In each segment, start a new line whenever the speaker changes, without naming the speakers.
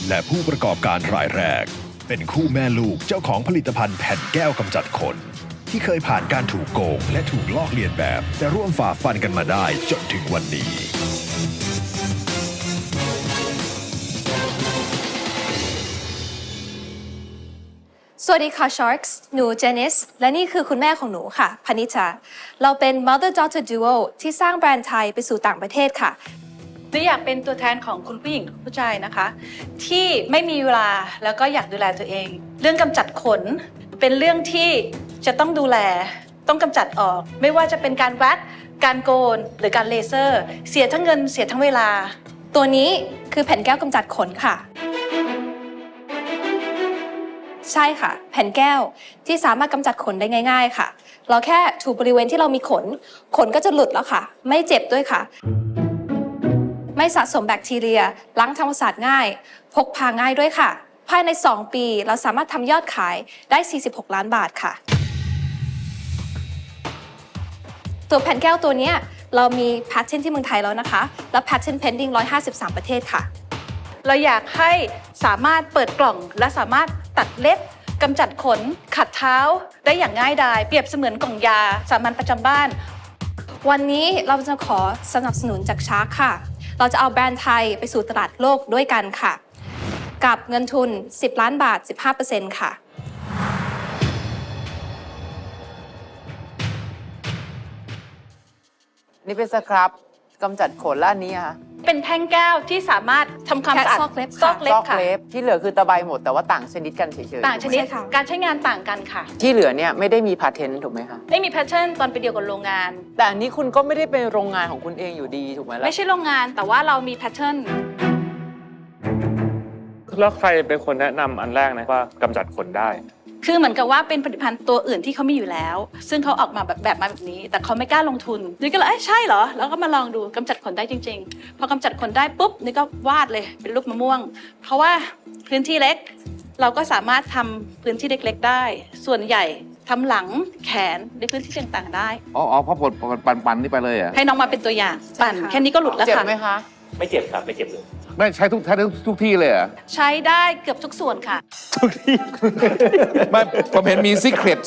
และผู้ประกอบการรายแรกเป็นคู่แม่ลูกเจ้าของผลิตภัณฑ์แผ่นแก้วกำจัดขนที่เคยผ่านการถูกโกงและถูกลอกเลียนแบบแต่ร่วมฝ่าฟันกันมาได้จนถึงวันนี้
สวัสดีค่ะ Sharks หนูเจนิสและนี่คือคุณแม่ของหนูค่ะพนิชาเราเป็น Mother Daughter Duo ที่สร้างแบรนด์ไทยไปสู่ต่างประเทศค่ะ
หนูอยากเป็นตัวแทนของคุณผู้หญิงทุกผู้ชายนะคะที่ไม่มีเวลาแล้วก็อยากดูแลตัวเองเรื่องกำจัดขนเป็นเรื่องที่จะต้องดูแลต้องกำจัดออกไม่ว่าจะเป็นการแว็กการโกนหรือการเลเซอร์เสียทั้งเงินเสียทั้งเวลา
ตัวนี้คือแผ่นแก้วกำจัดขนค่ะใช่ค่ะแผ่นแก้วที่สามารถกำจัดขนได้ง่ายๆค่ะเราแค่ถูบริเวณที่เรามีขนก็จะหลุดแล้วค่ะไม่เจ็บด้วยค่ะไม่สะสมแบคทีเรียล้างทำความสะอาดง่ายพกพาง่ายด้วยค่ะภายใน2 ปีเราสามารถทำยอดขายได้46 ล้านบาทค่ะตัวแผ่นแก้วตัวนี้เรามีแพทเทนที่เมืองไทยแล้วนะคะและแพทเทน pending 153 ประเทศค่ะ
เราอยากให้สามารถเปิดกล่องและสามารถตัดเล็บกำจัดขนขัดเท้าได้อย่างง่ายดายเปรียบเสมือนกล่องยาสามัญประจำบ้าน
วันนี้เราจะขอสนับสนุนจากชาร์คค่ะเราจะเอาแบรนด์ไทยไปสู่ตลาดโลกด้วยกันค่ะกับเงินทุน10 ล้านบาท 15% ค่ะ
นี่เป็นสครับกำจัดขนและอันนี้ค่ะ
เป็นแท่งแก้วที่สามารถทำความสะอาด
ซอกเล็บ
ค่ะ
ที่เหลือคือตะไบหมดแต่ว่าต่างชนิดกันเฉยๆ
ต่างชนิดการใช้งานต่างกันค่ะ
ที่เหลือเนี่ยไม่ได้มีพาเทนต์ถูกไหมคะ
ไม่มีแพทเทิร์นตอนไปเดียวกับโรงงาน
แต่อันนี้คุณก็ไม่ได้เป็นโรงงานของคุณเองอยู่ดีถูกไหมล่ะ
ไม่ใช่โรงงานแต่ว่าเรามีแพทเทิร์น
แล้วใครเป็นคนแนะนำอันแรกนะว่ากำจัดขนได้
คือเหมือนกับว่าเป็นผลิตภัณฑ์ตัวอื่นที่เขามีอยู่แล้วซึ่งเขาออกมาแบบนี้แต่เขาไม่กล้าลงทุนนี่ก็เลยใช่เหรอแล้วก็มาลองดูกำจัดขนได้จริงๆพอกำจัดขนได้ปุ๊บนี่ก็วาดเลยเป็นรูปมะม่วงเพราะว่าพื้นที่เล็กเราก็สามารถทำพื้นที่เล็กๆได้ส่วนใหญ่ทำหลังแขนในพื้นที่ต่างๆได้
เพราะปั่นนี่ไปเลยอ่ะ
ให้น้องมาเป็นตัวอย่างปั่นแค่นี้ก็หลุดแล้วค่ะ
เจ็บไหมคะ
ไม่เจ็บครับไม่เจ็บเลย
ไม่ใช้ทุกที่เลยอ่ะ
ใช้ได้เกือบทุกส่วนค่ะ
ทุกที่ไม่ผมเห็นมีซีเครต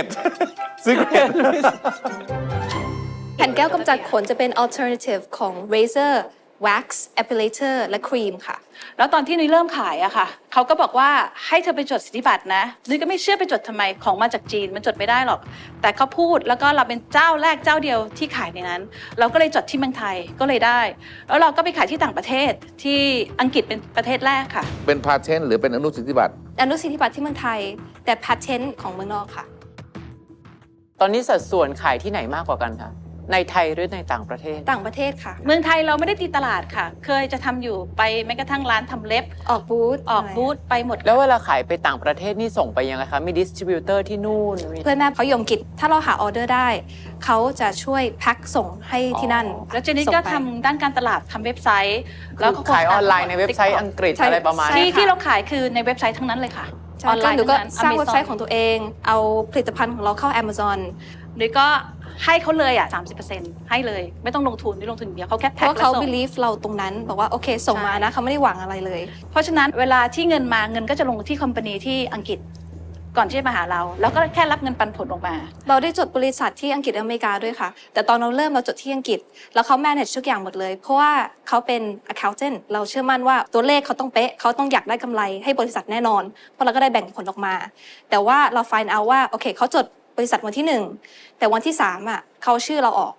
แผ่นแก้วกำจัดขนจะเป็น alternative ของ razor wax epilator และครีมค่ะ
แล้วตอนที่นุ้ยเริ่มขายอะค่ะเขาก็บอกว่าให้เธอไปจดสิทธิบัตรนะนุ้ยก็ไม่เชื่อไปจดทำไมของมาจากจีนมันจดไม่ได้หรอกแต่เขาพูดแล้วก็เราเป็นเจ้าแรกเจ้าเดียวที่ขายในนั้นเราก็เลยจดที่เมืองไทยก็เลยได้แล้วเราก็ไปขายที่ต่างประเทศที่อังกฤษเป็นประเทศแรกค่ะ
เป็นพาเทนต์หรือเป็นอนุสิทธิบัตร
ที่เมืองไทยแต่ patent ของเมืองนอกค่ะ
ตอนนี้สัดส่วนขายที่ไหนมากกว่ากันคะในไทยหรือในต่างประเทศ
ค่ะ
เมืองไทยเราไม่ได้ตีตลาดค่ะเคยจะทำอยู่ไปแม้กระทั่งร้านทำเล็บ
ออกบูธ
ไปหมด
แล้วเวลาขายไปต่างประเทศนี่ส่งไปยังไงคะมีดิสทริบิวเตอร์ที่นู่น
เพื่อนแม่เขายมกิจถ้าเราหาออเดอร์ได้เขาจะช่วยแพ็คส่งให้ที่นั่น
แล้วเจนนี่ก็ทำด้านการตลาดทำเว็บไซต์
แล้วก็ขายออนไลน์ในเว็บไซต์อังกฤษอะไรประมาณนี้
ที่เราขายคือในเว็บไซต์ทั้งนั้นเลยค่ะ
ออนไลน์หนูก็สร้างเว็บไซต์ของตัวเองเอาผลิตภัณฑ์ของเราเข้า Amazon
หรือก็ให้เขาเลย30%ให้เลยไม่ต้องลงทุนไม่ลงทุนเดียวเขาแค่แพ็คแล้วส่ง
เพราะเขา believe เราตรงนั้นบอกว่าโอเคส่งมานะเขาไม่ได้หวังอะไรเลย
เพราะฉะนั้นเวลาที่เงินมาเงินก็จะลงที่คอมพานีที่อังกฤษก่อนที่จะมาหาเราแล้วก็แค่รับเงินปันผลออกมา
เราได้จดบริษัทที่อังกฤษอเมริกาด้วยค่ะแต่ตอนเราเริ่มเราจดที่อังกฤษแล้วเขา manage ทุกอย่างหมดเลยเพราะว่าเขาเป็น accountant เราเชื่อมั่นว่าตัวเลขเขาต้องเป๊ะเขาต้องอยากได้กำไรให้บริษัทแน่นอนเพราะเราก็ได้แบ่งผลออกมาแต่ว่าเรา find out ว่าโอเคเขาจดบริษัทวันที่1แต่วันที่3อ่ะเขาชื่อเราออก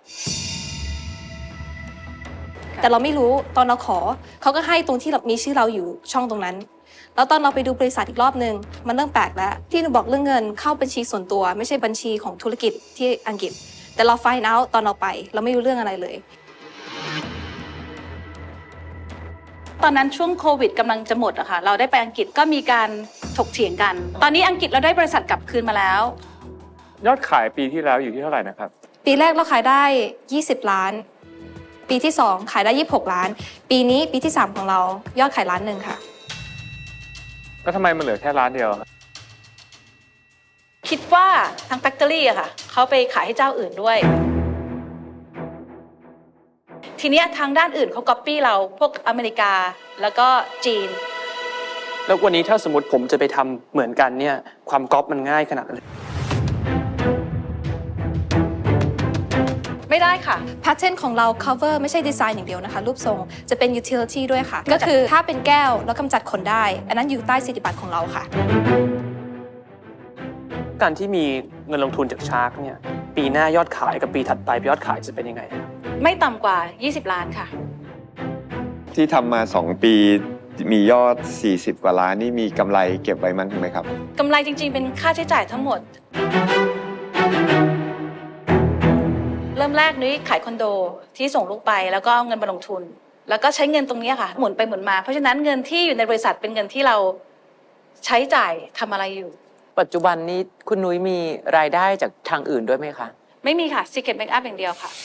แต่เราไม่รู้ตอนเราขอเขาก็ให้ตรงที่มีชื่อเราอยู่ช่องตรงนั้นแล้วตอนเราไปดูบริษัทอีกรอบนึงมันเริ่มแปลกแล้วที่หนูบอกเรื่องเงินเข้าบัญชีส่วนตัวไม่ใช่บัญชีของธุรกิจที่อังกฤษแต่เรา find out ตอนเราไปเราไม่รู้เรื่องอะไรเลย
ตอนนั้นช่วงโควิดกำลังจะหมดอะค่ะเราได้ไปอังกฤษก็มีการถกเถียงกันตอนนี้อังกฤษเราได้บริษัทกลับคืนมาแล้ว
ยอดขายปีที่แล้วอยู่ที่เท่าไหร่นะครับ
ปีแรกเราขายได้20 ล้านปีที่2ขายได้26 ล้านปีนี้ปีที่3ของเรายอดขาย1 ล้านค่ะ
ก็ทำไมมันเหลือแค่1 ล้านเดียว
คิดว่าทางแฟคทอรี่อะค่ะเขาไปขายให้เจ้าอื่นด้วยทีนี้ทางด้านอื่นเขาก๊อปปี้เราพวกอเมริกาแล้วก็จีน
แล้ววันนี้ถ้าสมมติผมจะไปทำเหมือนกันเนี่ยความก๊อปมันง่ายขนาดนั้นเลย
ไม่ได้ค่ะ
แพทเทิร์นของเรา cover ไม่ใช่ดีไซน์อย่างเดียวนะคะ รูปทรงจะเป็น utility ด้วยค่ะ ก็คือถ้าเป็นแก้วแล้วกำจัดขนได้ อันนั้นอยู่ใต้สิทธิบัตรของเราค่ะ
การที่มีเงินลงทุนจากชาร์กเนี่ยปีหน้ายอดขายกับปีถัดไปยอดขายจะเป็นยังไงครับ
ไม่ต่ำกว่า 20 ล้านค่ะ
ที่ทำมา 2 ปีมียอด 40 กว่าล้านนี่มีกำไรเก็บไว้มั้งไหมครับ
กำไรจริงๆ เป็นค่าใช้จ่ายทั้งหมด เริ่มแรกนุ้ยขายคอนโดที่ส่งลูกไปแล้วก็เอาเงินมาลงทุน แล้วก็ใช้เงินตรงนี้ค่ะ หมุนไปหมุนมา เพราะฉะนั้นเงินที่อยู่ในบริษัทเป็นเงินที่เราใช้จ่ายทำอะไรอยู่
ปัจจุบันนี้คุณนุ้ยมีรายได้จากทางอื่นด้วยไหมคะ
ไม่มีค่ะ Secret Makeup อย่างเดียวค่ะ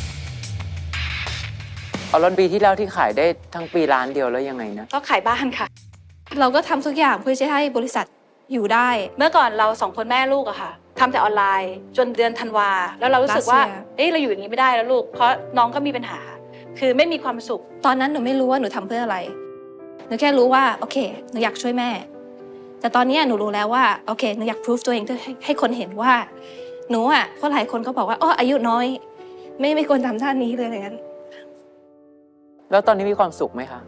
เอาแล้วปีที่แล้วที่ขายได้ทั้งปีล้านเดียวแล้วยังไงนะ
ก็ขายบ้านค่ะ
เราก็ทำทุกอย่างเพื่อจะให้บริษัทอยู่ได้
เมื่อก่อนเรา2 คนแม่ลูกอะค่ะทำแต่ออนไลน์จนเดือนธันวาแล้วเรารู้สึกว่า
Last year
เอ้ยเราอยู่อย่างนี้ไม่ได้แล้วลูกเพราะน้องก็มีปัญหา คือไม่มีความสุข
ตอนนั้นหนูไม่รู้ว่าหนูทำเพื่ออะไร หนูแค่รู้ว่าโอเคหนูอยากช่วยแม่ แต่ตอนนี้หนูรู้แล้วว่าโอเคหนูอยากพิสูจตัวเองให้คนเห็นว่าหนูอ่ะเพราะหลายคนก็บอกว่าอ๋ออายุน้อย ไม่ควรทำท่านี้เลยอะไรเงี้ย
แล้วตอนนี้มีความสุขไหมคะ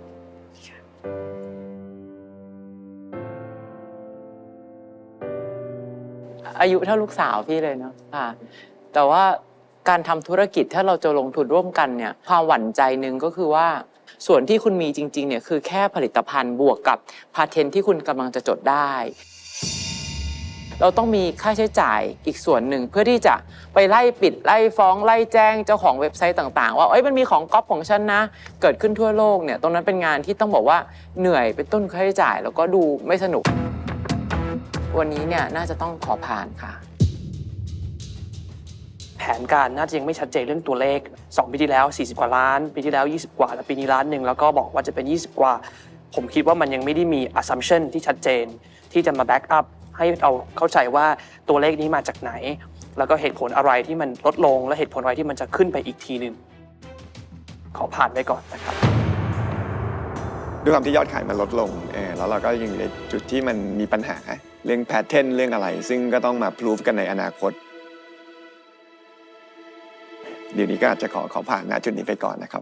อายุเท่าลูกสาวพี่เลยเนาะค่ะ แต่ว่าการทำธุรกิจถ้าเราจะลงทุนร่วมกันเนี่ยความหวั่นใจหนึ่งก็คือว่าส่วนที่คุณมีจริงๆเนี่ยคือแค่ผลิตภัณฑ์บวกกับพาเทนต์ที่คุณกำลังจะจดได้ เราต้องมีค่าใช้จ่ายอีกส่วนหนึ่งเพื่อที่จะไปไล่ปิดไล่ฟ้องไล่แจ้งเจ้าของเว็บไซต์ต่างๆว่าเอ้ยมันมีของก๊อปของฉันนะเกิดขึ้นทั่วโลกเนี่ยตรงนั้นเป็นงานที่ต้องบอกว่าเหนื่อยเป็นต้นค่าใช้จ่ายแล้วก็ดูไม่สนุกวันนี้เนี่ยน่าจะต้องขอผ่านค่ะ
แผนการน่าจะยังไม่ชัดเจนเรื่องตัวเลข2 ปีที่แล้ว40 กว่าล้านปีที่แล้ว20 กว่าแล้วปีนี้1 ล้านแล้วก็บอกว่าจะเป็น20 กว่าผมคิดว่ามันยังไม่ได้มี assumption ที่ชัดเจนที่จะมา back up ให้เราเข้าใจว่าตัวเลขนี้มาจากไหน แล้วก็เหตุผลอะไรที่มันลดลงและเหตุผลอะไรที่มันจะขึ้นไปอีกทีนึงขอผ่านไปก่อนนะครับ
ด้วยความที่ยอดขายมันลดลงแล้วเราก็ยังอยู่ในจุดที่มันมีปัญหาเรื่องแพทเทิร์นเรื่องอะไร ซึ่งก็ต้องมาพิสูจกันในอนาคตเดี๋ยวนี้ก็อาจจะขอผ่านณจุดนี้ไปก่อนนะครับ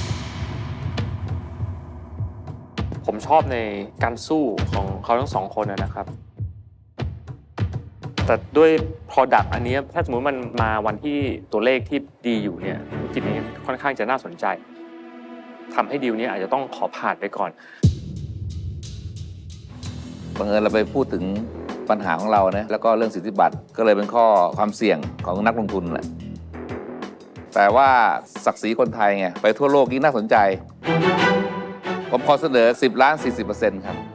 ผมชอบในการสู้ของเขาทั้ง2 คนนะครับ แต่ด้วย Product อันนี้ถ้าสมมติมันมาวันที่ตัวเลขที่ดีอยู่เนี่ยธุรกิจนี้ค่อนข้างจะน่าสนใจทำให้ดีลนี้อาจจะต้องขอผ่านไปก่อน
บังเอิญเราไปพูดถึงปัญหาของเรานะแล้วก็เรื่องสิทธิบัตรก็เลยเป็นข้อความเสี่ยงของนักลงทุนแหละแต่ว่าศักดิ์ศรีคนไทยไงไปทั่วโลกยิ่งน่าสนใจผมขอเสนอ10 ล้าน 40% ครับ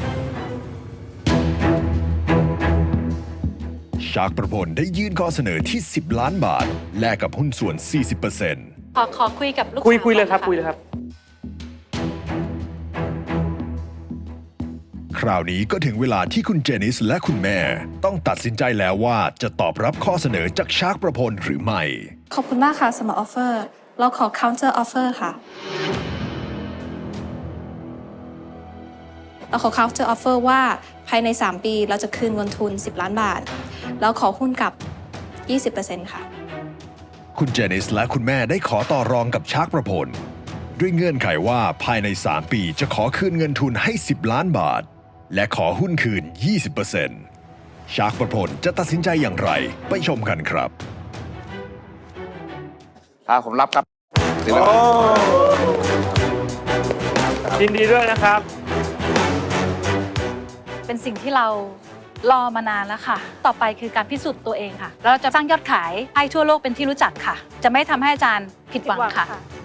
ชาร์กประพลได้ยื่นข้อเสนอที่ 10 ล้านบาทแลกกับหุ้นส่วน 40%
ขอคุยกับลูกสาว
คุยเลยครับ
ก่อน
คุยเลยครับ
คราวนี้ก็ถึงเวลาที่คุณเจนิสและคุณแม่ต้องตัดสินใจแล้วว่าจะตอบรับข้อเสนอจากชาร์กประพลหรือไม่
ขอบคุณมากค่ะสำหรับออฟเฟอร์เราขอ counter offer ค่ะ เราขอ counter offer ว่าภายใน 3 ปีเราจะคืนเงินทุน10 ล้านบาท แล้วขอหุ้นกับ 20% ค่ะ
คุณเจนิสและคุณแม่ได้ขอต่อรองกับชาร์กประพลด้วยเงื่อนไขว่าภายใน 3 ปีจะขอคืนเงินทุนให้ 10 ล้านบาท และขอหุ้นคืน 20% ชาร์กประพลจะตัดสินใจอย่างไรไปชมกันครับ
ผมรับครับ
ยินดีด้วยนะครับ
เป็นสิ่งที่เรารอมานานแล้วค่ะ ต่อไปคือการพิสูจน์ตัวเองค่ะแล้วเราจะสร้างยอดขายให้ทั่วโลกเป็นที่รู้จักค่ะ จะไม่ทำให้อาจารย์ผิดหวังค่ะ